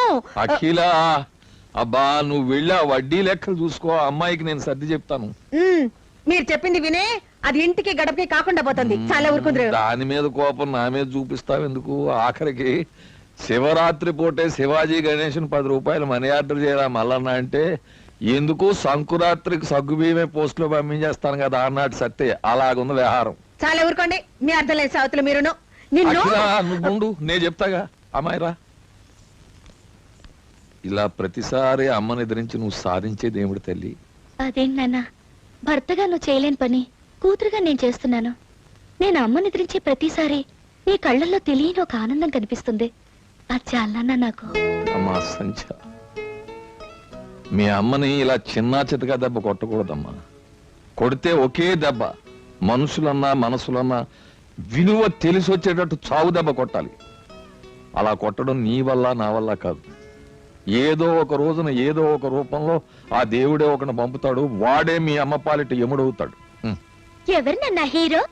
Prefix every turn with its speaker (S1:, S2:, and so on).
S1: అఖిల అబ్బా నువ్వు వెళ్ళి ఆ వడ్డీ లెక్కలు చూసుకో, అమ్మాయికి నేను సర్ది చెప్తాను.
S2: మీరు చెప్పింది వినే అది ఇంటికి గడపకి కాకుండా పోతుంది. చాలా ఊరుకుందరు.
S1: దాని మీద కోపం నా మీద చూపిస్తావు ఎందుకు? ఆఖరికి శివరాత్రి పూటే శివాజీ గణేషన్ 10 రూపాయలు మనీ ఆర్డర్ చేయరా మల్లన్న అంటే ఎందుకు సంకురాత్రికి సగ్గుబియ్యమే పోస్ట్ లో పంపించేస్తాను కదా అన్నాడు సత్తే. అలాగుంది వ్యవహారం.
S2: చాలా ఊరుకోండి. మీ అర్థం లేదు సావతులు మీరును.
S1: నువ్వు నేను చెప్తాగా అమ్మాయిరా. ఇలా ప్రతిసారి అమ్మని ఎదిరించి నువ్వు సాధించేది ఏమిటి తల్లి?
S3: అదేంటి నాన్న, భర్తగా నువ్వు చేయలేని పని కూతురుగా నేను చేస్తున్నాను. నేను అమ్మని ఎదిరించే ప్రతిసారి నీ కళ్ళల్లో తెలియని ఒక ఆనందం కనిపిస్తుంది. అది చాలా నాకు.
S1: అమ్మా సంచ, మీ అమ్మని ఇలా చిన్నా చితగా దెబ్బ కొట్టకూడదమ్మా. కొడితే ఒకే దెబ్బ మనుషులన్నా మనసులన్నా విలువ తెలిసి వచ్చేటట్టు చావు దెబ్బ కొట్టాలి. అలా కొట్టడం నీ వల్ల నా వల్ల కాదు. ఏదో ఒక రోజున ఏదో ఒక రూపంలో ఆ దేవుడే ఒకని పంపుతాడు. వాడే మీ అమ్మ పాలిట ఎముడవుతాడు.
S3: ఎవరు నన్న హీరో?